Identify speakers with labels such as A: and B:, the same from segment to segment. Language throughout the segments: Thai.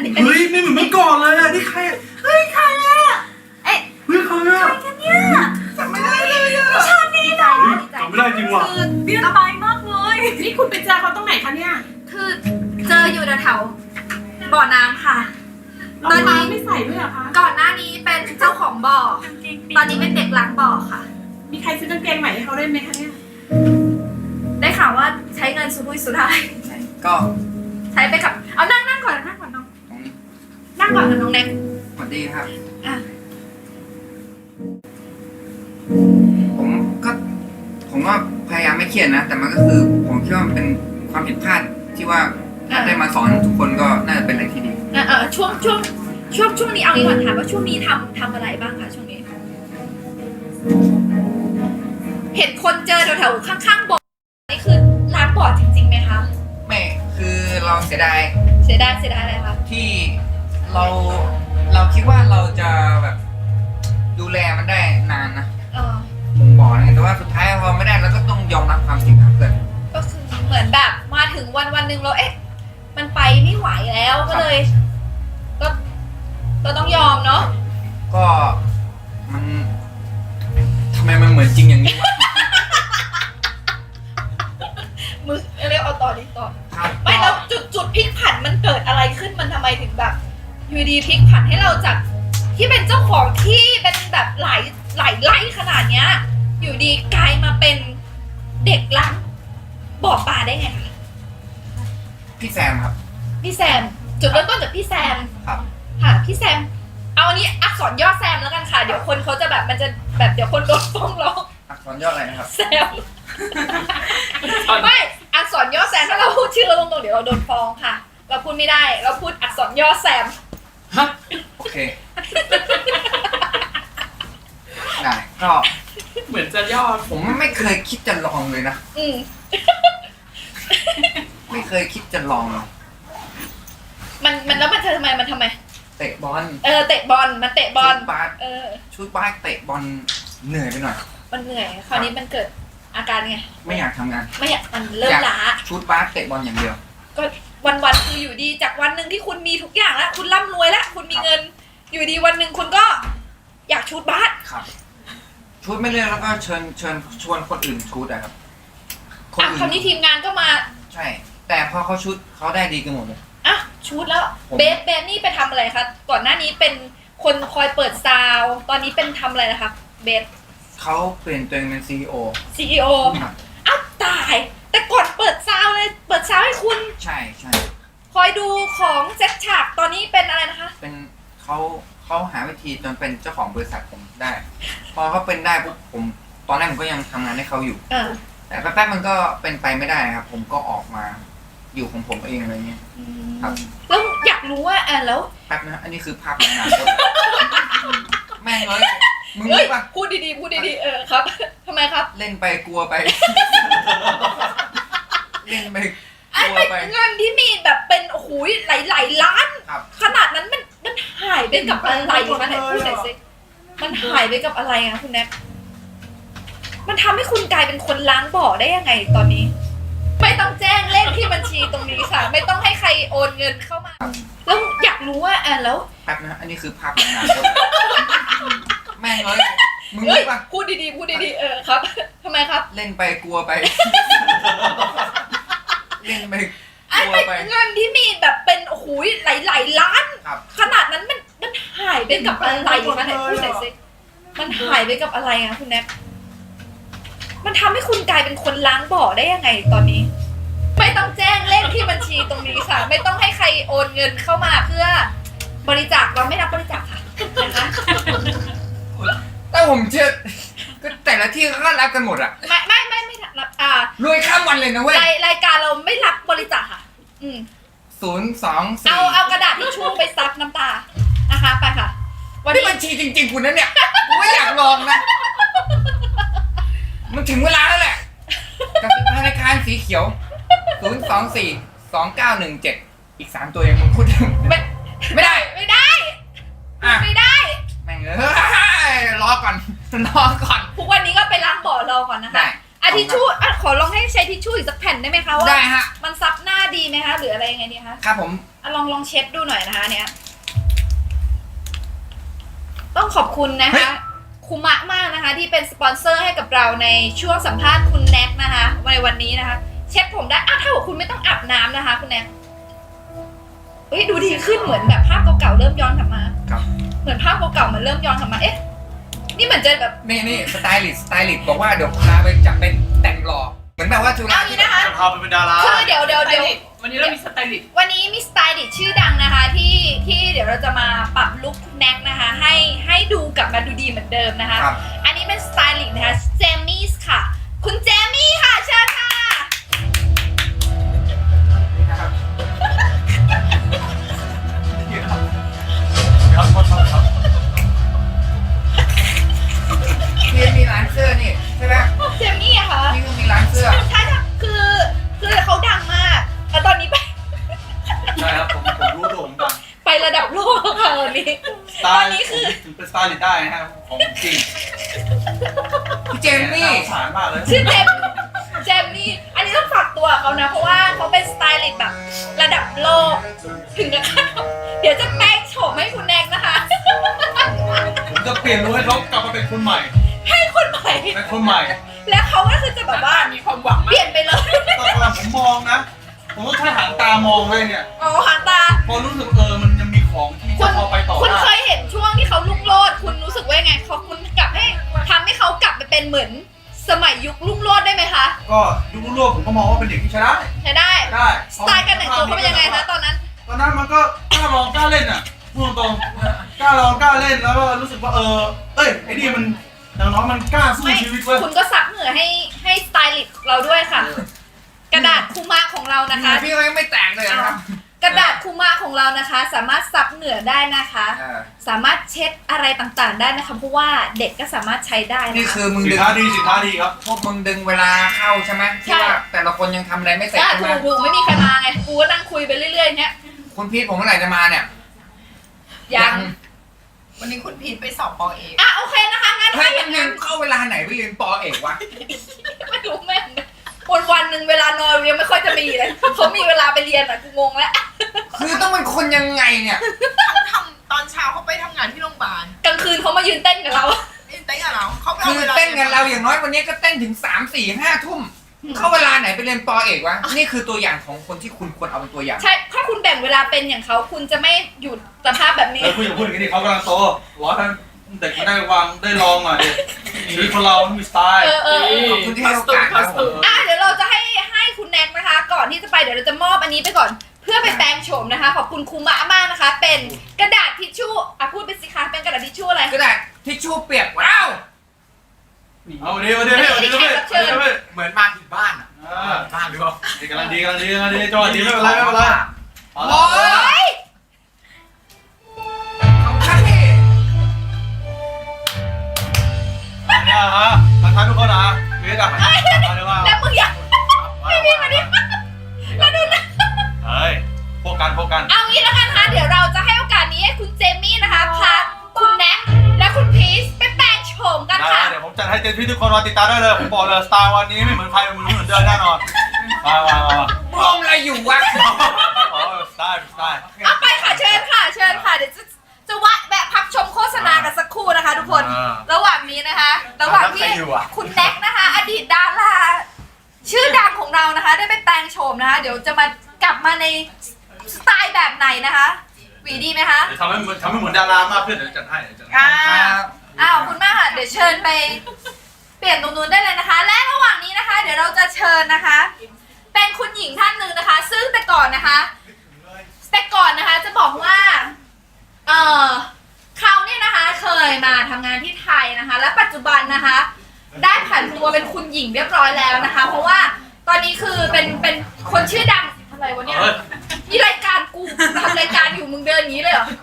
A: เฮ้ยไม่เหมือนเมื่อก่อนเลยอะนี่ใครเฮ้ยใครอะเฮ้ยใครอะ
B: กันเนี่ย
A: จำไม่ได้เลยอะ
B: ชาตินี้นะ
A: จำไม่ได้จริงว่ะ
B: คือเบี้ยบายมากเลย
C: นี่คุณไปเจอเขาตรงไหนคะเนี่ย
B: คือเจออยู่แถวๆบ่อน้ำค่ะ
C: รองเท้าไม่ใส่ด้วยเหรอคะ
B: ก่อนหน้านี้เป็นเจ้าของบ่อ ตอนนี้เป็นเด็กล้างบ่อค่ะ
C: มีใครซื้อกางเกงใหม่ให้เขาได้ไหมคะเนี่ย
B: ได้ข่าวว่าใช้เงินสุรุ่ยสุร่าย
D: ก็
B: ใช้ไปกับเอานั่งก่อนน้อง
D: ตรงนี้
B: นั่งก่อนกับน้องแน็ก
D: สวัสดีครับ
B: อ่ะ
D: ผมว่าพยายามไม่เครียดนะ แต่มันก็คือผมคิดว่ามันเป็นความผิดพลาดที่ว่าถ้าได้มาสอนทุกคนก็น่าจะเป็นอะไรที่ดี
B: ช่วงนี้เอางี้ก่อนถามว่าช่วงนี้ทำอะไรบ้างคะช่วงนี้ เห็นคนเจอแถวๆข้างๆบ่อนี่คือล้างบ่อจริงๆไหมคะ
D: ไม่คือเราเสียดาย
B: เสียดายอะไรคะ
D: ที่เราคิดว่าเราจะแบบดูแลมันได้นานนะ ผมบอกนะแต่ว่าสุดท้ายเราไม่ได้เราก็ต้องยอมรับความจริงครับเพื่อน
B: ก็คือเหมือนแบบมาถึงวันหนึ่งเรามันไปไม่ไหวแล้วก็เลย ก็ต้องยอมเนาะ
D: ก็มันทำไมมันเหมือนจริงอย่างนี้วะ
B: มือเรียกเอาต่อดีต่อ
D: ครับ
B: ไม่แล้วจุดพลิกผันมันเกิดอะไรขึ้นมันทำไมถึงแบบอยู่ดีพลิกผันให้เราจากที่เป็นเจ้าของที่เป็นแบบหลายไร่ขนาดเนี้ย อยู่ดีกลายมาเป็นเด็กล้างบ่อปลาได้ไงคะ
D: พี่แซมครับ
B: พี่แซมจุดเริ่มต้นจากพี่แซม
D: ครับ
B: ค่ะพี่แซมเอาอันนี้อักษรย่อแซมแล้วกันค่ะเดี๋ยวคนเขาจะแบบมันจะแบบเดี๋ยวคนโดนฟ้องร้อง
D: อักษรย่ออะไรนะครับ
B: แซมไม่อักษรย่อแซมถ้าเราพูดชื่อเราตรงๆเดี๋ยวเราโดนฟ้องค่ะ เราพูดไม่ได้เราพูดอักษรย่อแซม
A: ฮะ
D: โอเค ได้ก็
A: เหมือนจะย่อ
D: ผมไม่เคยคิดจะลองเลยนะ
B: อืม
D: ไม่เคยคิดจะลองเลย
B: มันแล้วมันทำไมมันทำไม
D: เตะบอล
B: เตะบอลมันเตะบอล
D: ชุดบาสชุดบาสเตะบอลเหนื่อยไปหน่อย
B: มันเหนื่อยคราวนี้มันเกิดอาการไง
D: ไม่อยากทำงาน
B: ไม่อยากมันเริ่มล้า
D: ชุดบาสเตะบอลอย่างเดียว
B: ก็วันคืออยู่ดีจากวันหนึ่งที่คุณมีทุกอย่างแล้วคุณร่ำรวยแล้วคุณมีเงิน อยู่ดีวันหนึ่งคุณก็ อยากชูดบาส
D: ครับ ชุดไม่เลือกแล้วก็เชิญชวนคนอื่นชุดอะครับ คนอื่น
B: คราวนี้ทีมงานก็มา
D: ใช่ แต่พอเขาชุดเขาได้ดีกันหมดเลย
B: อ่ะชูดแล้ว
D: ผม
B: เบสนี่ไปทำอะไรคะก่อนหน้านี้เป็นคนคอยเปิดซาวด์ตอนนี้เป็นทำอะไรนะคะเบส
D: เขาเปลี่ยนตัวเองเป็น CEO
B: CEO
D: ครับ
B: อ้าวตาย แต่ก่อนเปิดซาวด์เลยเปิดซาวด์ให้คุณ
D: ใช่ใช่
B: คอยดูของเซ็ตฉากตอนนี้เป็นอะไรนะคะ
D: เป็นเขาหาวิธีจนเป็นเจ้าของบริษัทผมได้ พอเขาเป็นได้ปุ๊บผมตอนแรกผมก็ยังทำงานให้เขาอยู่ แต่แป๊บๆมันก็เป็นไปไม่ได้ครับ ผมก็ออกมาอยู่ของผมเองอะไรเงี้ย ครับ
B: แล้วอยากรู้ว่าแล้ว
D: แป๊บนะอันนี้คือภาพในอนาคตแม่งเลยมึง
B: เฮ้
D: รู้
B: ย
D: ปะ
B: พูดดีครับทำไมครับ
D: เล่นไปกลัวไป เล่นไปก
B: ไอ้
D: ลัว
B: เป็น
D: ไป
B: เงินที่มีแบบเป็นโอ้โหหลายล้าน
D: ครับ
B: ขนาดนั้นมันหายไปกับอะไรคะไหนพูดหน่อยสิมันหายไปกับอะไรอะคุณแน็กมันทำให้คุณกลายเป็นคนล้างบ่อได้ยังไงตอนนี้ ไม่ต้องแจ้งเลขที่บัญชีตรงนี้ค่ะ ไม่ต้องให้ใครโอนเงินเข้ามา แล้วอยากรู้ว่าแล้ว
D: แป๊บนะอันนี้คือภาพในอนาคตแม่งเลยมึง
B: เฮ้ย
D: รู้ปะ
B: พูดดีครับทำไมครับ
D: เล่นไปกลัวไป เล่นไป
B: ไอ้
D: กลัว
B: เป็น
D: ไป
B: เงินที่มีแบบเป็นโอ้โหหลายล้าน
D: ครับ
B: ขนาดนั้นมันหายไปกับอะไรคะไหนพูดหน่อยสิมันหายไปกับอะไรอะคุณแน็กมันทำให้คุณกลายเป็นคนล้างบ่อได้ยังไงตอนนี้ ไม่ต้องแจ้งเลขที่บัญชีตรงนี้ค่ะ ไม่ต้องให้ใครโอนเงินเข้ามาเพื่อบริจาคเราไม่รับบริจาคค่ะนะคะ
D: แต่ผมเชื่อก็แต่ละที่เขาก็รับกันหมดอะ
B: ไม่รับ
D: รวยข้ามวันเลยนะเว้ย
B: รายการเราไม่รับบริจาคค่ะ
D: 024
B: เอากระดาษทิชชู่ไปซับน้ำตานะคะไปค่ะ วัน
D: นี่
B: นี้
D: บัญชีจริงๆคุณนะเนี่ยกูไม่อยากลองนะมันถึงเวลาแล้วแหละกับธนาคารสีเขียว0242917อีก3ตัวยังมึงพูดไม่ได้
B: ไม่ได้
D: อ่ะ
B: ไม่ได้
D: แม่งเอ้ยรอก่อน
B: ทุกวันนี้ก็ไปล้างบ่อรอก่อนนะคะ
D: ได้
B: อ่ะทิชชู่อ่ะขอลองให้ใช้ทิชชู่อีกสักแผ่นได้ไหมคะว่า
D: ได้ฮะ
B: มันซับหน้าดีไหมคะหรืออะไรยังไงดีคะ
D: ครับผม
B: อ่ะลองเช็ดดูหน่อยนะคะเนี่ยต้องขอบคุณนะคะคุมะมากนะคะ ที่เป็นสปอนเซอร์ให้กับเราในช่วงสัมภาษณ์คุณแน็กนะคะในวันนี้นะคะ เช็ดผมได้ถ้าบอกคุณไม่ต้องอาบน้ำนะคะ คุณแน็กเฮ้ยดูดีขึ้นเหมือนแบบภาพเก่าๆเริ่มย้อนกลับมา
D: ครับ
B: เหมือนภาพเก่าๆมันเริ่มย้อนกลับมาเอ๊ะนี่เหมือนจะแบบ
D: นี่สไตลิสต์บอกว่าเดี๋ยวพาไปจับเป็นแต่งหล่อเหมือนแบบว่าจุฬา
B: เอางี้นะคะ
E: จะพาไปเป็นดารา
B: คือเดี๋ยว
C: วันนี้เรามีสไตลิสต์
B: วันนี้มีสไตลิสต์ชื่อดังนะคะที่เดี๋ยวเราจะมาปรับลุคคุณแน็กนะคะ ให้ดูกลับมาดูดีเหมือนเดิมนะคะ
D: ครับ
B: อันนี้เป็นสไตลิสต์นะคะเจมี่ค่ะ คุณเจมี่ค่ะเชิญค่ะ
D: นะครับ
E: ครับครับ
D: ที่มีร้านเสื้อนี่ใช่ไหม
B: เจมี่อะค่ะ
D: นี่คือมีร้านเสื้อ
B: ใช่ค่ะคือเขาดังมากแต่ตอนนี้ไป
E: ใช่ครับผมรู้ตัวผมดัง
B: ไประดับโลกค่ะวันนี้
E: สไต
B: ตอน
E: ล์
B: นี้คือ
E: ถึงเป็นสไตล์ลิสต์ได้นะครับของจริง
D: พี่เจมมี่
E: น่าสงสารมากเลย
B: ชื่อเจมี่อันนี้ต้องฝากตัวเขานะเพราะว่าเขาเป็นสไตลิสต์แบบระดับโลกถึงกับเดี๋ยวจะแปลงโฉมให้คุณแน็กนะคะ
E: ผมจะเปลี่ยนรู้ให้เขากลับมาเป็นคนใหม่
B: ให้คนใหม่
E: เป็นคนใหม่
B: แล้วเขาก็คือจะแบบว่า
C: มีความหวัง
B: เป
C: มาก
B: ลี่ยนไปเลย
E: ตอนผมมองนะ ผมต้องใช้หางตามองเลยเนี่ย
B: อ๋อหางตา
E: พอรู้สึกมันยังมีของที่
B: คุ
E: จะ
B: ณ
E: พอไปต่อ
B: คุณ
E: ได้
B: เคยเห็นช่วงที่เขาลุ่งโลดคุณรู้สึกว่าไงเขาคุณกลับให้ทำให้เขากลับไปเป็นเหมือนสมัยยุคลุ่งโลดได้ไหมคะ
E: ก็ยุครุ่นโลกผมก็มองว่าเป็นเด็กที่ใช้ได้
B: ใช่ได้
E: ได้
B: สไตล์การแต่งตัวเขาเป็นยังไงคะตอนนั้น
E: ตอนนั้นมันก็กล้าลองกล้าเล่นอ่ะพูดตรงๆกล้าลองกล้าเล่นแล้วก็รู้สึกว่าไอ้นี่มันอย่างน้อยมันกล้าสู้
B: ไม่
E: ชีวิตเว้ย
B: คุณก็ซับเหงื่อให้สไตลิสต์เราด้วยค่ะ กระดาษคูมะของเรานะคะ
D: พี่ก็ยังไม่แตกเลยนะครับ
B: กระดาษคูมะของเรานะคะ สามารถซับเหงื่อได้นะคะ สามารถเช็ดอะไรต่างๆได้นะคะเพราะว่าเด็กก็สามารถใช้ได้
D: นี่
B: นะคะ
D: คือมึง
E: สิน
D: ดึง
E: ค้าดีสินค้าดีครับ
D: พวกมึงดึงเวลาเข้าใช่ไหมที่ว่าแต่ละคนยังทำอะไรไม่เสร็จใช่ไหม
B: ถูกไม่มีใครมาไงกูก็นั่งคุยไปเรื่อยๆเนี้ย
D: คุณพีทผมเมื่อไหร่จะมาเนี่ย
B: ยัง
A: วันนี้คุณพีทไปสอบปอเอก
B: โอเคนะคะงั้น
D: เฮ้
B: ถ้าย อ
D: มั
B: ย่าน ง
D: ยั
B: นั้
D: ง
B: น
D: เข้าเวลาไหนไปเรียนปอเอกวะ
B: ไม่รู้แม่งวันหนึ่งเวลานอนยังไม่ค่อยจะมีเลยเขามีเวลาไปเรียนอะกูงงแล้ว
D: คือต้องเป็นคนยังไงเนี่ย
A: เขาทำตอนเช้าเขาไปทำงานที่โรงพยาบาล
B: กลางคืนเขามายืนเต้นกับเรา
A: นี่เต้นกับเราเขาไป
D: คื
A: เอา
D: อ
A: เวลา
D: เต้นกันเราอย่างน้อยวันนี้ก็เต้นถึง3 4 5 ทุ่มเข้าเวลาไหนไปเรียนปอเอกวะนี่คือตัวอย่างของคนที่คุณควรเอาเป็นตัวอย่าง
B: ใช่ถ้าคุณแบ่งเวลาเป็นอย่างเขาคุณจะไม่อยู่สภาพแบบนี้
E: แล้วคุณอย่าพูดอย่างนี้ดิเขากำลังโตร้อยท่านเด็กมาได้วางได้ลองหน่อยดิชีวิตคนเรามันมีสไตล์
D: ขอบคุณที่ให้โอกาสครับผม
B: เดี๋ยวเราจะให้คุณแน็กนะคะ ก่อนที่จะไปเดี๋ยวเราจะมอบอันนี้ไปก่อน เพื่อไปแปลงโฉมนะคะ ขอบคุณครูมะมากนะคะ เป็นกระดาษทิชชู่พูดไปสิคะเป็นกระดาษทิชชู่อะไร
D: ก็ได้ทิชชู่เปียกว้าว
E: เอาดิเอาดิเอาดิเอาดิเอาดิ
A: เหมือนมาถึงบ้านอ่ะบ้านหรือเปล่า
E: กำลังดีจังหวะดีไม่เป็นไรไม่เป็นไร
D: โอ้ยขอบคุณพี่
E: เนี่ยฮะทักทายทุกคนนะเวทอ่ะมาเดี๋ยวว่า
B: แล้วมึงอยากไม่มีมาดิแล้วดูนะ
E: เฮ้ยพวกกัน
B: เอางี้แล้วกันนะคะเดี๋ยวเราจะให้โอกาสนี้ให้คุณเจมี่นะคะพาคุณแน็กและคุณพีชไปแปลงโฉมกัน
E: ได้
B: ค่ะ
E: เดี๋ยวผมจัดให้เต็มที่ทุกคนรอติดตามได้เลยผมบอกเลยสตาร์วันนี้ไม่เหมือนใครเหมือนเดิมแน่นอนมา
D: มองอะไรอยู่วะ
E: อ๋อสไตล์
B: เอาไปค่ะเชิญค่ะเดี๋ยวจะแวะพักชมโฆษณากันสักครู่นะคะ ทุกคน ระหว่างนี้นะคะ ระหว่างที่คุณแน็กนะคะ อดีตดาราชื่อดังของเรานะคะ ได้ไปแปลงโฉมนะคะ เดี๋ยวจะมากลับมาในสไตล์แบบไหนนะคะหวีดีไหมคะ
E: เดี๋ยวทำให้เหมือนดารามากขึ้นเดี๋ยวจัดให้
B: ขอบคุณมากค่ะเดี๋ยวเชิญไปเปลี่ยนตรงนู้นได้เลยนะคะ และระหว่างนี้นะคะ เดี๋ยวเราจะเชิญนะคะ เป็นคุณหญิงท่านหนึ่งนะคะ ซึ่งแต่ก่อนนะคะจะบอกว่าเขาเนี่ยนะคะเคยมาทำงานที่ไทยนะคะ และปัจจุบันนะคะ ได้ผันตัวเป็นคุณหญิงเรียบร้อยแล้วนะคะ เพราะว่าตอนนี้คือเป็นคนชื่อดังอะไรวะเนี่ยนี่รายการกูทำรายการอยู่มึงเดินอย่างนี้เลยเหรอ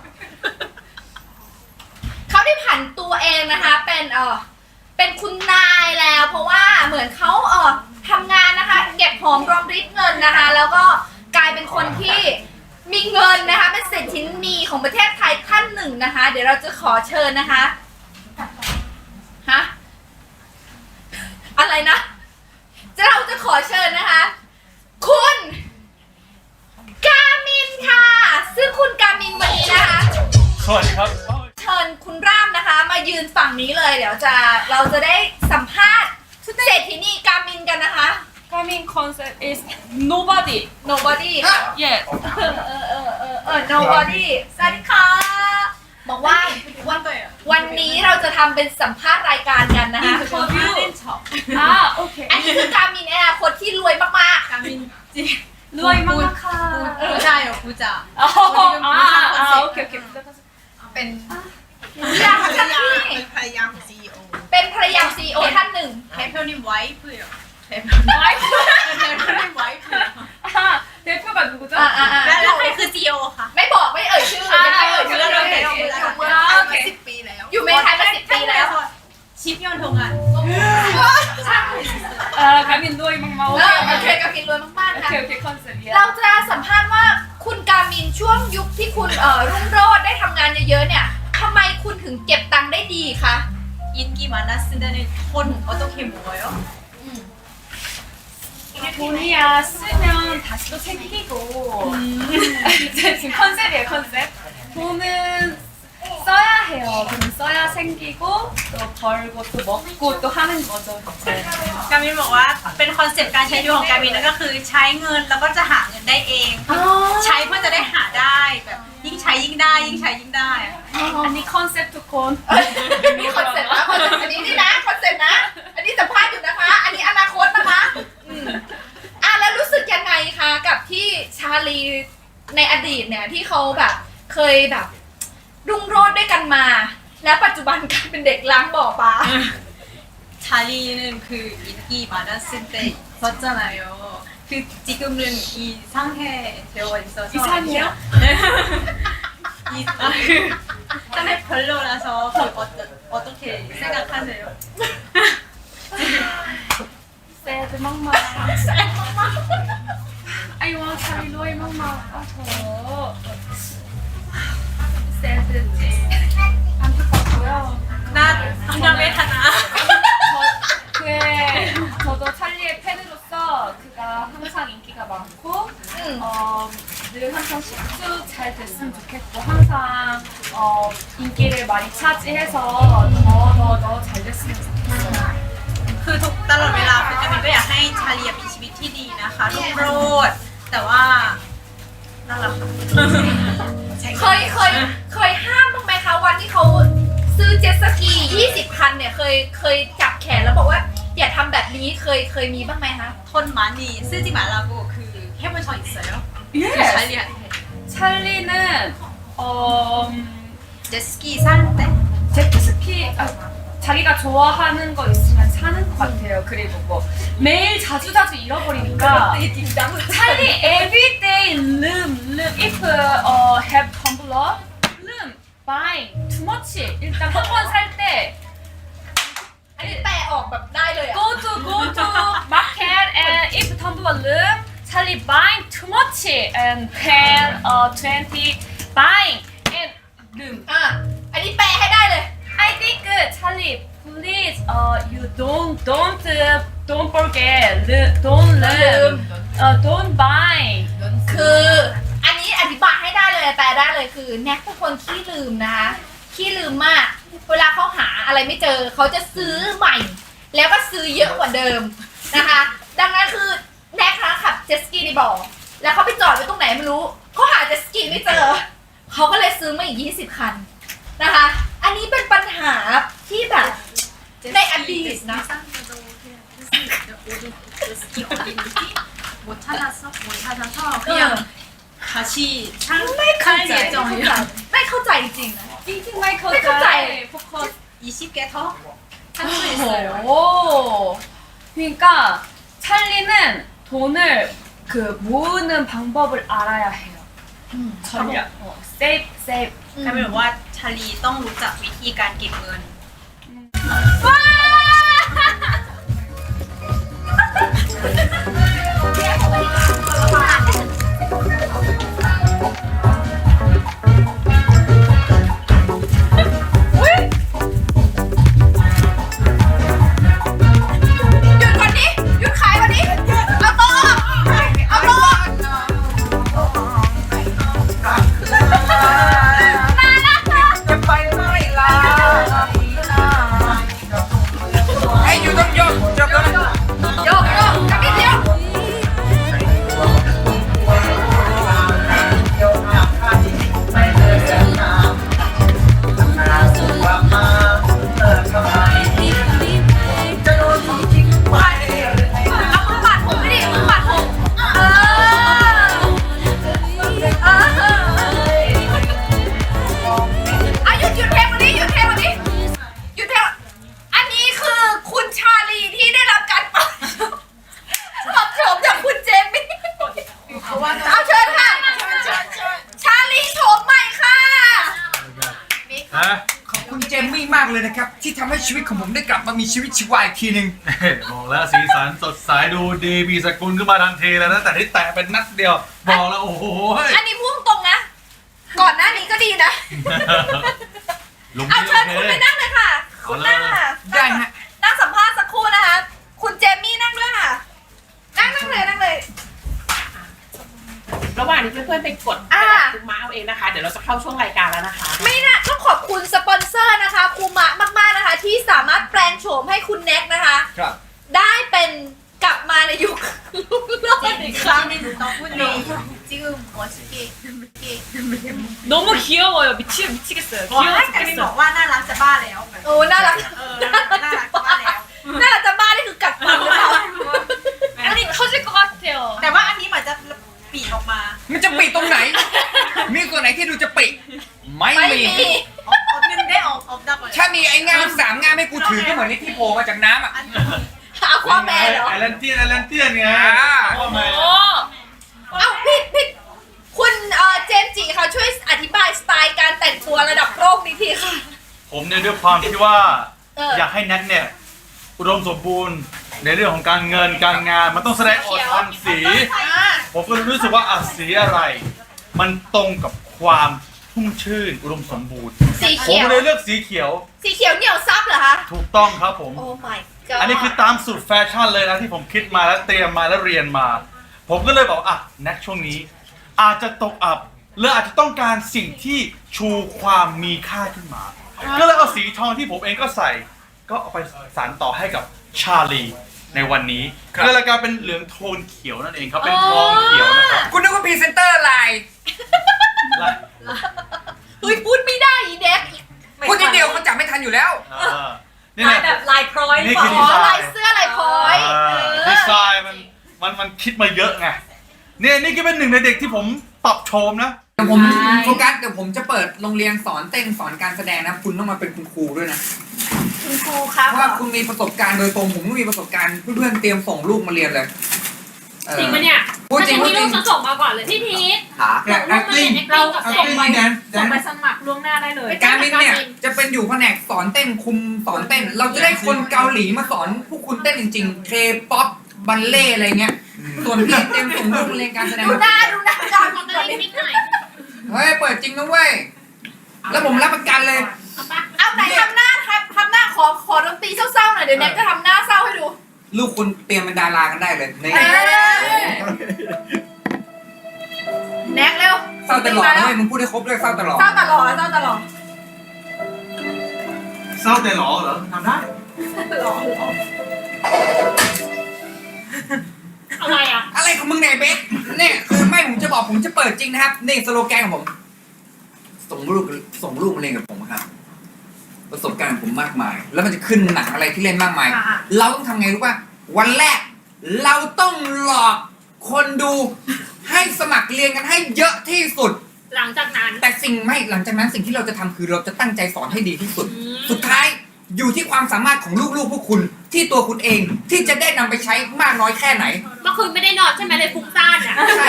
B: เขาได้ผันตัวเองนะคะเป็นคุณนายแล้ว เพราะว่าเหมือนเขาทำงานนะคะ เก็บหอมรอมริบเงินนะคะ แล้วก็กลายเป็นคนที่มีเงินนะคะเป็นเศรษฐีนีของประเทศไทยท่านหนึ่งนะคะ เดี๋ยวเราจะขอเชิญนะคะอะไรนะจะขอเชิญนะคะ คุณกามินค่ะ ซึ่งคุณกามินวันนี้นะคะ
E: สวัสดีครับ
B: เชิญคุณร่ามนะคะ มายืนฝั่งนี้เลย เดี๋ยวเราจะได้สัมภาษณ์เศรษฐินีกามินกันนะคะ
C: Coming concept is nobody.
B: nobody
C: Yes.
B: nobody สวัสดีค่ะบอกว่าวันนี้เราจะทำเป็นสัมภาษณ์รายการกันนะคะ
C: Ah, okay.
B: อันนี้คือกามินในอนาคตที่รวยมาก
C: 루아이 마마카.
A: ใช่เหรอผู้จ่า
C: 오케이, 오케이.
A: เป็น
B: ๆอยากจะที่
A: เป็นภรรยาของ CEO
B: เป็นภรรยา CEO ท่านหนึ่ง
A: 대표님 와이프예요.
C: 와이프.
A: 대표님 와이프예요.
C: 아, 대표가 누구죠?
A: แล้วใครคือ CEO ค่ะ
B: ไม่บอกไม่เอ่ยชื่ออย่าให้เอ่ยชื่อเลย
A: อยู่เมืองไทยมา10 ปีแล้ว
B: อยู่เมืองไทยมา10 ปีแล้ว
A: 10년 동안.
C: 아, 가민 루아이 마마.
B: โอเค
C: 오케이,
B: กามินรวยมากๆค่ะ
C: 오케이, 오케이, 컨셉이야.
B: เราจะสัมภาษณ์ว่าคุณกามินช่วงยุคที่คุณรุ่งโรจน์ได้ทำงานเยอะๆเนี่ยทำไมคุณถึงเก็บตังค์ได้ดีคะ
A: 인기 많았을 때는 돈 어떻게 모아요?
C: 돈이야 쓰면 다시 또 생기고. 지금 컨셉이에요, 컨셉. 돈은 써야 해요. 돈 써야 생기고 또 벌고 또 먹고 또 하는 거죠. 이제.
A: กามินบอกว่าเป็นคอนเซปต์การใช้ชีวิตของกามินนั่นก็คือใช้เงินแล้วก็จะหาเงินได้เอง ใช้เพื่อจะได้หาได้แบบยิ่งใช้ยิ่งได้ยิ่งใช้ยิ่งได้
C: 아니 컨셉 두콘.
B: มีคอนเซ็ปต์นะคอนเซ็ปต์อันนี้นี่นะคอนเซ็ปต์นะ อันนี้สัมภาษณ์อยู่นะคะ อันนี้อนาคตนะคะแล้วรู้สึกยังไงคะกับที่ชาลีในอดีตเนี่ยที่เขาแบบเคยแบบรุ่งโรจน์ด้วยกันมา และปัจจุบันกลายเป็นเด็กล้างบ่อปลา
A: 자리는 그 인기 많았을 때 있었잖아요. 그 지금은 이상해 되어 있어서
C: 이상해요?
A: 딴에 별로라서 그 어떻게 생각하세요?
C: 새드 막마. I want Charlie Roy 막마. 저 새드지. 안타깝고요.
A: 나 정말 외타나.
C: 그에 저도 찰리의 팬으로서 그가 항상 인기가 많고 늘 항상 식수 잘 됐으면 좋겠고 항상 인기를 많이 차지해서 더 잘 됐으면 좋겠어요.
A: คือทุกตลอดเวลาคือกามินก็อยากให้ชาลีมีชีวิตที่ดีนะคะรุ่งโรจน์แต่ว่านั่นแหละค่ะ
B: เคยห้ามบ้างไหมคะวันที่เขาซื้อเจ็ตสกี 20 คันเนี่ยเคยจับแขนแล้วบอกว่าอย่าทำแบบนี้เคยมีบ้างไหมคะ
A: 돈 많이 쓰지 말라고 그 해본 적 있어요?
C: Yes.
A: 찰리한테
C: 찰리는
A: 제스키 살 때?
C: 제트스키 자기가 좋아하는 거 있으면 사는 것 같아요. 그리고 뭐 매일 자주 잃어버리니까 찰리 everyday loom if have tumbler loom buy too much 일단 한 번 살 때
B: อันนี้แปลออกแบบได้เลยอะ
C: go to market and if tumbler loom 찰리 buying too much and 10 20 buying and loom
B: อันนี้แปลให้ได้เลย
C: I think Charlie, please, you don't forget, don't learn, don't buy.
B: คืออันนี้อธิบายให้ได้เลยแปลได้เลยคือแน็กเป็นคนขี้ลืมนะคะขี้ลืมมาก เวลาเขาหาอะไรไม่เจอเขาจะซื้อใหม่ แล้วก็ซื้อเยอะกว่าเดิมนะคะ ดังนั้นคือแน็กนะขับเจ็ตสกีในบ่อแล้วเขาไปจอดไว้ตรงไหนไม่รู้เขาหาเจ็ตสกีไม่เจอเขาก็เลยซื้อมาอีก20 คันนะคะ อันนี้เป็นปัญหาที่แบบในอดีตนะ
A: 제스키 어딘지 못 찾아서 그냥 다시 살 예정이에요.
B: ไม่เข้าใจจริงๆนะ
C: 띵띵 마이클
B: 네,
C: 포커스.
A: 20개 더 할 수 있어요.
C: 오. 그러니까 찰리는 돈을 그 모으는 방법을 알아야 해요. 전략. save.
A: กลายเป็นว่าชาลีต้องรู้จักวิธีการเก็บเงิน
B: หยุดก่อนดิหยุดขายก่อนดิ
D: เลยนะครับ ที่ทำให้ชีวิตของผมได้กลับมามีชีวิตชีวาอีกทีหนึ่ง
E: บอกแล้วสีสันสดใสดูดีมีสกุลขึ้นมาทันทีแล้วนะแต่ที่แตะเป็นนัดเดียวบอกแล้วโอ้โห
B: อันนี้พูดตรงนะ ก่อนหน้านี้ก็ดีนะ
E: ลุง
B: เอา
E: นี่
B: เชิญ
E: โอ
B: คุณ
E: เค
B: ไปนั่งเลยค่ะ คุณนั่งค่ะ
D: ได้ฮะ
B: นั่งสัมภาษณ์สักครู่นะคะ คุณเจมี่นั่งด้วยค่ะ นั่งเลย
F: ระหว่างนี้เพื่อนๆไปกด
B: อ่า
F: คุมม้าเอาเองนะคะ เดี๋ยวเราจะเข้าช่วงรายการแล้วนะคะ
B: ไม่น่าต้องขอบคุณสปอนเซอร์นะคะคูมะมากๆนะคะ ที่สามารถแปลงโฉมให้คุณแน็กนะคะ
D: ครับ
B: ได้เป็นกลับมาในยุคลูกเล่าอีกครั้ง
A: 지금 멋있게
C: 너무 귀여워요. 미치겠어요.
A: บอก
C: 귀여워
A: ให้กามินบอ
C: 죽겠어요.
A: กว่าน่ารักจะบ้าแล้ว
B: โอ้น่ารัก
A: น่ารักจะบ้าแล้ว
B: น่ารักจะบ้านี่คือกัดฟันหรือเปล่า
C: 아니 터질 것 같아요.
A: แต่ว่าอันนี้เหมือนจะปีกออกมา
D: มันจะปิดตรงไหน มีส่วนไหนที่ดูจะปิดไม่
B: ไม่
D: มี
B: มี
A: 없는데 없다고요
D: ถ้ามีไอ้งาม3 งามให้กูถือก็เหมือนที่โผล่มาจากน้ำอ่ะ
B: เอาความแมนเหรอ
E: ไอแลนเทียนไงว่าไง
C: 어.
B: เอาพี่คุณเจมส์จิค่ะช่วยอธิบายสไตล์การแต่งตัวระดับโลกนี้ทีค่ะ
E: ผมเนี่ยด้วยความที่ว่า
B: อย
E: ากให้แน็กเนี่ยอุดมสมบูรณ์ในเรื่องของการเงินการงานมันต้องแสดงออกทางสี ผมก็เลยรู้สึกว่าสีอะไร มันตรงกับความชุ่มชื่นอุดมสมบูรณ์
B: สี
E: ผม
B: เขียว
E: เลยเลือกสีเขียว
B: สีเขียวเหนียวซับเหรอคะ
E: ถูกต้องครับผม
B: โอ้ my god
E: อันนี้คือตามสูตรแฟชั่นเลยนะที่ผมคิดมาแล้วเตรียมมาแล้วเรียนมา ผมก็เลยบอกอ่ะแน็กช่วงนี้ อาจจะตกอับหรืออาจจะต้องการสิ่งที่ชูความมีค่าขึ้นมา ก็เลยเอาสีทองที่ผมเองก็ใส่ ก็เอาไปสานต่อให้กับชาลีในวันนี้
D: ครับ
E: ก็เลยกลายเป็นเหลืองโทนเขียวนั่นเองครับเป็นทองเขียวนะครับ
D: คุณนึกว่าพรีเซนเตอร์อะไร
B: เฮ้ยพูดไม่ได้อีเด็ก
D: พูดทีเดียวเขาจับไม่ทันอยู่แล้ว
E: นี่
C: ลาย
E: นะ
C: แบบลายพร้อย
E: นี่
C: เป
E: คือ
C: ล่า
B: อ๋อลายเสื้อลายพร้อย
E: ดีไซน์มันคิดมาเยอะไงเนี่ยนี่ก็เป็นหนึ่งในเด็กที่ผมปรับโฉมนะ
D: เดี๋ยวผมโฟกัสเดี๋ยวผมจะเปิดโรงเรียนสอนเต้นสอนการแสดงนะ คุณต้องมาเป็นคุณครูด้วยนะ
B: คุณครูครับ
D: เพราะว่าคุณมีประสบการณ์โดยตรงผมก็มีประสบการณ์เพื่อนๆเตรียมส่งลูกมาเรียนเลย
G: จริงปะเนี่ย
D: พูดจริงพูดจริง
G: ฉันส่งมาก่อนเลยพี่พีท
D: หา
G: ส่งรูปมาเรียน acting กับส่งไป
C: ส่งไปสมัครล่วงหน้าได้เลย
D: การบินเนี่ยจะเป็นอยู่แผนกสอนเต้นคุมสอนเต้น เราจะได้คนเกาหลีมาสอนพวกคุณเต้นจริงๆ K-POP บัลเล่อะไรเงี้ย ส่วนพี่เตรียมส่งลูกมาเรียนการแสดง
B: ดูหน้าจอน
G: ขอตัวเองนิดหน่อย
D: เฮ้ยเปิดจริงนะเว้ย แล้วผมรับประกันเลย
G: เอาปะ
B: เอาไหนทำหน้าทำหน้าขอดนตรีเศร้าๆหน่อยเดี๋ยวแน็กจะทำหน้าเศร้าให้ดู
D: ลูกคุณเตรียมเป็นดารากันได้เลยนี่
B: แน็กเร็ว
D: เศร้าตลอดนะเว้ยมึงพูดให้ครบด้วยเศร้าตลอด
B: เศร้าตลอดเศร้าตลอด
E: เศร้าแต่หรอเหรอทำได้
G: อะไรอ่ะ
D: อะไรของมึงเนี่ยเบสเนี่ยคือไม่ผมจะบอกผมจะเปิดจริงนะครับนี่สโลแกนของผม ส่งลูกมาเรียนกับผมครับ ประสบการณ์ของผมมากมาย แล้วมันจะขึ้นหนังอะไรที่เล่นมากมาย เราต้องทำไงรู้ป่ะวันแรก เราต้องหลอกคนดูให้สมัครเรียนกันให้เยอะที่สุด
G: หลังจากนั้น
D: แต่หลังจากนั้นสิ่งที่เราจะทำคือเราจะตั้งใจสอนให้ดีที่สุด สุดท้ายอยู่ที่ความสามารถของลูกๆพวกคุณที่ตัวคุณเองที่จะได้นำไปใช้มากน้อยแค่ไหน
G: เมื่อคืนไม่ได้นอนใช่ไหมเลยฟุ้งซ่านอ่ะ
D: ใช่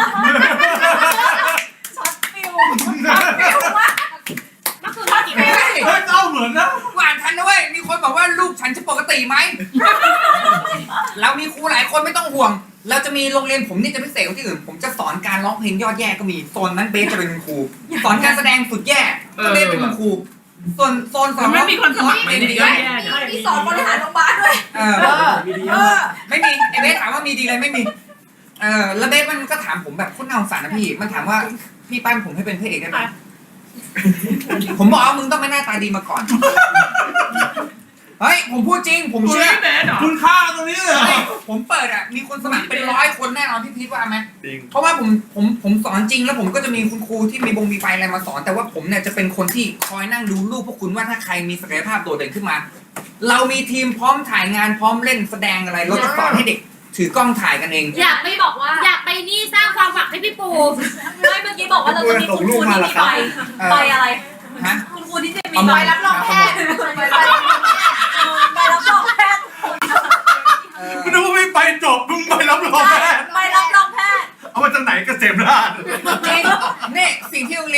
G: เมื่อคืนนอนกี่โมง
E: เฮ้ยเศร้าเหมือนนะ
D: อ่านทันนะเว้ยมีคนบอกว่าลูกฉันจะปกติไหม เรามีครูหลายคนไม่ต้องห่วง เราจะมีโรงเรียนผมนี่จะพิเศษกว่าที่อื่นผมจะสอนการร้องเพลงยอดแย่ก็มีโซนนั้นเบสจะเป็นคุณครูสอนการแสดงสุดแย่ก็เบสเป็นคุณครูส่วนโซนสอน
F: ไม่มีคนสอน
D: ไม่ดี
B: มีสอนบริหารโรงพยาบาลด้วย
D: ไม่มีไอเบสถามว่ามีดีเลยไม่มีแล้วเบสมันก็ถามผมแบบคุณน่าสงสารนะพี่มันถามว่าพี่ปั้นผมให้เป็นพระเอกได้ไหมผมบอกว่ามึงต้องไม่หน้าตาดีมาก่อนเฮ้ยผมพูดจริงผมเชื่อ
E: คุณค่าตรงนี้เลยเหรอ
D: ผมเปิดอ่ะมีคนสมัครเป็น100 คนแน่นอนพี่พีทว่าไหม
E: จริง
D: เพราะว่าผมสอนจริงแล้วผมก็จะมีคุณครูที่มีไฟอะไรมาสอน แต่ว่าผมเนี่ยจะเป็นคนที่คอยนั่งดูลูกพวกคุณว่าถ้าใครมีศักยภาพโดดเด่นขึ้นมา เรามีทีมพร้อมถ่ายงานพร้อมเล่นแสดงอะไรเราจะสอนให้เด็ก ถือกล้องถ่ายกันเอง
G: อยากไปบอกว่า อยากไปนี่สร้างความหวังให้พี่ปู
A: ไม่เมื่อกี้บอกว่าเราจะมีคุณครูที่มีใบอะไร
D: ฮะ
A: คุณครูที่จะมี
D: เอา
A: ใบ
D: มา
A: รับรองแพทย์ใบรับรองแพทย์
E: ไม่รู้ว่าไม่ไปจบมึงไปรับรองแพทย์
A: ใบรับรองแพทย์
E: เอามาจากไหนเกษมราช
D: จริงนี่สิ่งที่โรงเรียน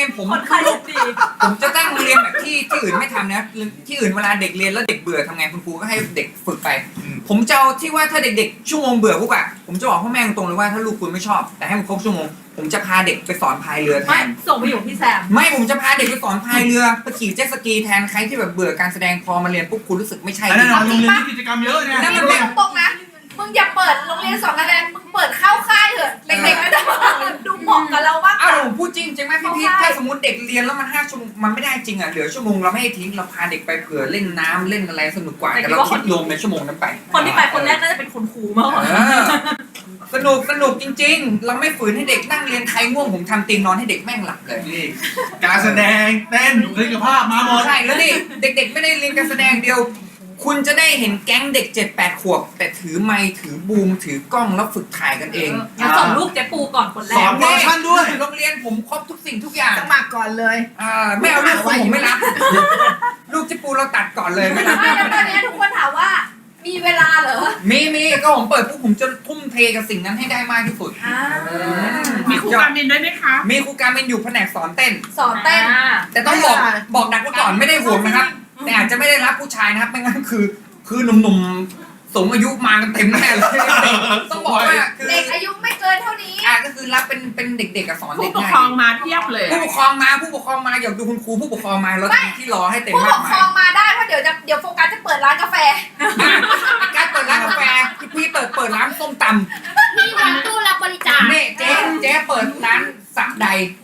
D: รียนผม
A: คนขายลูกดี
D: ผมจะตั้งโรงเรียนแบบที่อื่นไม่ทำนะ ที่อื่นเวลาเด็กเรียนแล้วเด็กเบื่อทำไงคุณครูก็ให้เด็กฝึกไป ผมจะเอาที่ว่าถ้าเด็กๆชั่วโมงเบื่อปุ๊บอะผมจะบอกพ่อแม่ตรงเลยว่าถ้าลูกคุณไม่ชอบ แต่ให้มันครบชั่วโมง ผมจะพาเด็กไปสอนพายเรือแท
A: ไม่
D: น
A: ส่งไปอยู่พี่แซม
D: ไม่ผมจะพาเด็กไปสอนพายเรือไปขี่เจ็ตสกีแทนใครที่แบบเบื่อการแสดงพอมาเรียนปุ๊บคุณรู้สึกไม่ใช่
E: อันนั้นโรงเรียนที่กิจกรรมเยอะเนี่ย
D: นั่นมัน
B: พูดตรงๆนะ มึงอย่าเปิดโรงเรียนสอนการแสดงมึงเปิดเข้าค่ายเถอะเด็กๆก็ได้ดูเหมาะกับเรามากก
D: อ้าว
B: ว่า
D: ผมพูดจริงไหมพี่พีทถ้าสมมติเด็กเรียนแล้วมัน5 ชั่วโมงมันไม่ได้จริงอ่ะเหลือชั่วโมงเราไม่ให้ทิ้งเราพาเด็กไปเผื่อเล่นน้ำเล่นอะไรสนุกกว่าแต่เราคิดรวมในชั่วโมงนั้นไป
A: คนที่ไปคนแรกน่าจะเป็นคุณครูมากกว่า
D: สนุกจริงๆ เราไม่ฝืนให้เด็กนั่งเรียนใครง่วงผมทำเตียงนอนให้เด็กแม่งหลับเลย
E: นี่การแสดงเต้นบุคลิกภาพมาหมด
D: ใช่แล้วนี่เด็กๆไม่ได้เรียนการแสดงเดียว คุณจะได้เห็นแก๊งเด็ก 7-8 ขวบ แต่ถือไมค์ถือบูมถือกล้องแล้วฝึกถ่ายกันเอง
A: งั้นส่งลูกเจ๊ปูก่อนคนแร
E: สอก นโปรดักชั่นด้วย
D: โรงเรียนผมครบทุกสิ่งทุกอย่าง
H: สมัครก่อนเลย
D: ไม่เอาลูกผมไม่รับ ลูกเจิปูเราตัดก่อนเลยไม่รับ
B: ไม่แล้วตอนนี้ทุกคนถามว่า มีเวลาเหรอ
D: มีก็ผมเปิดปุ๊บผมจะทุ่มเทกับสิ่งนั้นให้ได้มากที่สุด
F: มีครูการมินด้วยไหมคะ
D: มีครูการเป็นอยู่แผนกสอนเต้น
B: สอนเต้น
D: แต่ต้องบอกดักไว้ก่อนไม่ได้ห่วงนะครับ แต่อาจจะไม่ได้รับผู้ชายนะครับไม่งั้นคือหนุ่มๆสูงอายุมากันเต็มแน่เลยต้องบอกว่าคือ
B: เด็กอายุไม่เกินเท่านี้
D: ก็คือรับเป็นเด็กๆกับสอน
F: ผู้
D: เด็ก
F: ปก
D: ง่า
F: ครอง
D: ย
F: มาเพียบเลย
D: ผู้ปกครองมาอยากดูคุณครูผู้ปกครองมาเราจะมีที่รอให้เต็ม
B: ผู้
D: มา
B: ป
D: ก
B: ก
D: มา
B: ครองมาได้เพราะเดี๋ยวโฟกัสจะเปิดร้านกาแฟ
D: การเปิดร้านกาแฟพี่เปิดร้านส้มต
G: มีวางตู้รับบริจาค
D: ำนี่เจ๊เปิดร้านสักใด
G: มา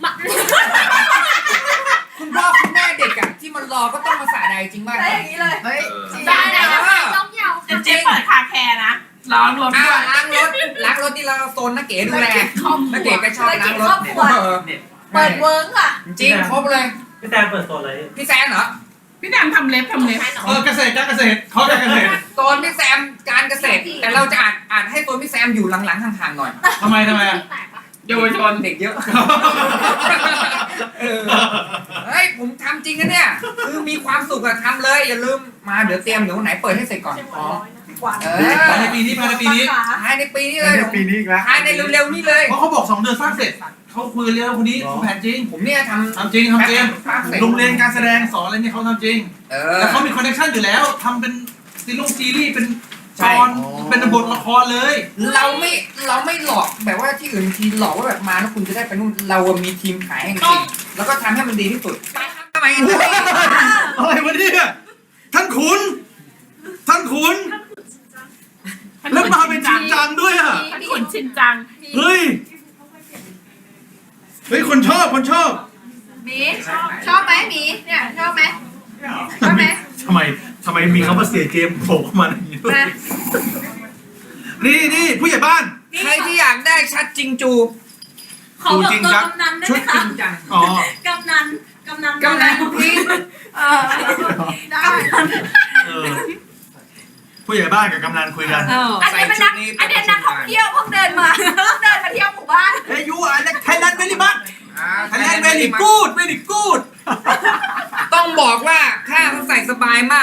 D: คุณพ่อคุณแม่เด็กอะที่มันรอก็ต้องมาสระใดจริงป่ะ
B: ได้อย่างนี้เลย
H: เฮ้ย
G: ได้ได้ได้ย่อมเยา
F: เจ๊เปิดคาแคร์นะร้องรถด้วย
D: ล้างรถที่เราโซนนักเก๋ดูแลนักเก๋ก็ชอบล้างรถ
B: เปิดเวิร์กค่ะ
D: จริงครบเลย
I: พี่แซมเปิดโซนอะไร
D: พี่แซมเหรอ
F: พี่แดมทำเล็บ
E: เกษตรการเกษตรเขาการเกษตร
D: โซนพี่แซมการเกษตร แต่เราจะอ่านให้โซนพี่แซมอยู่หลังๆห่างๆหน่อย
E: ทำไม
F: เยาวชน
D: เด็กเยอะเฮ้ยผมทำจริงนะเนี่ยคือมีความสุขอะทำเลยอย่าลืมมาเดี๋ยวเตรียมเดี๋ยววันไหนเปิดให้เสร็จก่อนอ๋อ
E: ภายในปีนี้
D: ภายในปีนี้เลย
E: ปีนี้อีกแล้ว
D: ภายในเร็วๆนี้เลย
E: เพราะเขาบอก2 เดือนสร้างเสร็จเขาคุยเรื่องคนนี้เขาแผนจริง
D: ผมเนี่ยท
E: ทำจริงโรงเรียนการแสดงสอนอะไรเนี่ยเขาทำจริง
D: ำ
E: แล้วเขามีคอนเนคชั่นอยู่แล้วทำเป็นซีรีส์เป็นตอนเป็นบทละครเลย
D: เราไม่หลอกแบบว่าที่อื่นทีหลอกว่าแบบมาแล้วคุณจะได้ไปนู่นเรามีทีมขายให้จริงแล้วก็ทำให้มันดีที่สุดทำไม
E: อะไรวะเนี่ยท่านขุนแล้วมาเป็นจริงจังด้วยอ่ะ
F: ท่านขุนชินจัง
E: เฮ้ยคนชอบ
B: หมีชอบไหมหมีเนี่ยชอบไหมชอบไหม
E: ทำไมมีคำว่าเสียเจมส์โผล่เข้ามาอย่างนี้
B: มา
E: นี่ผู้ใหญ่บ้าน
D: ใครที่อยากได้ชัดจริงจู
A: ขอบอกตัวกำนันได้
D: ชุ
A: ไหม
D: ดจ
A: คะ
D: ริงจัง
E: อ๋อก
A: ำนัน
D: กำนันพี่
B: ได้
E: ผู้ใหญ่บ้านกับกำนันคุยกัน
B: อันนี้เป็นนักท่องเที่ยวเพิ่งเดินมาเที่ยวหมู่บ้าน
E: เฮ้ยยูอะไรไทยแลนด์เวลี่บัตไทยแลนด์เวลี่กูด
D: ต้องบอกว่าข้าเขาใส่สบายมาก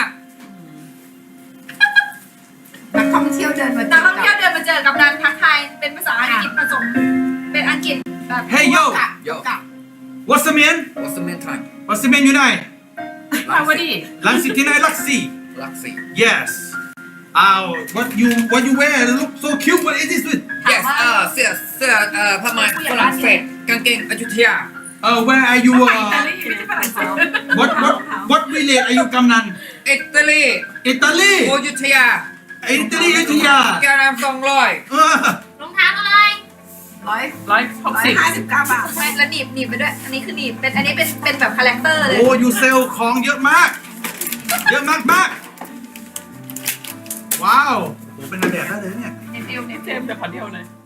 H: นักท่องเที่ยวเดินมา
B: นักท่องเที่ยวเดินมาเจอกับนันทักทายเป็นภาษาอังกฤษผสมเป็นอังกฤษแบบ
E: Hey yo
D: โย
E: what's the man
D: What's the main time
E: what's the man อยู่ไหน
F: มาวดี
E: ลังสิตที่ไหนลักซี่
D: ลักซี่
E: yes what you wear look so cute what is this with
D: yes เสื้อผ้าไหมฝรั่งเศสกางเกงอยุธยา
E: where are you
F: อิตาลีไม่ใช่ฝรั่งเศส
E: what village are you กำนัน
D: อิตาลี
E: อิตาลี
D: อยุธยา
E: อิตาลีอยุธยา
D: แกราม200
G: รองเท้าอะไร
F: 160
H: 159 บาท
B: ไม่แล้วหนีบไปด้วย อันนี้คือหนีบอันนี้เป็นแบบคาแรคเตอร์เลย
E: โอ้ยูเซลของเยอะมากว้าวโอ้เป็นนางแบบได้เลยเนี่ย
B: เนฟิล
F: เจมส์แต่ขอเดียวเลย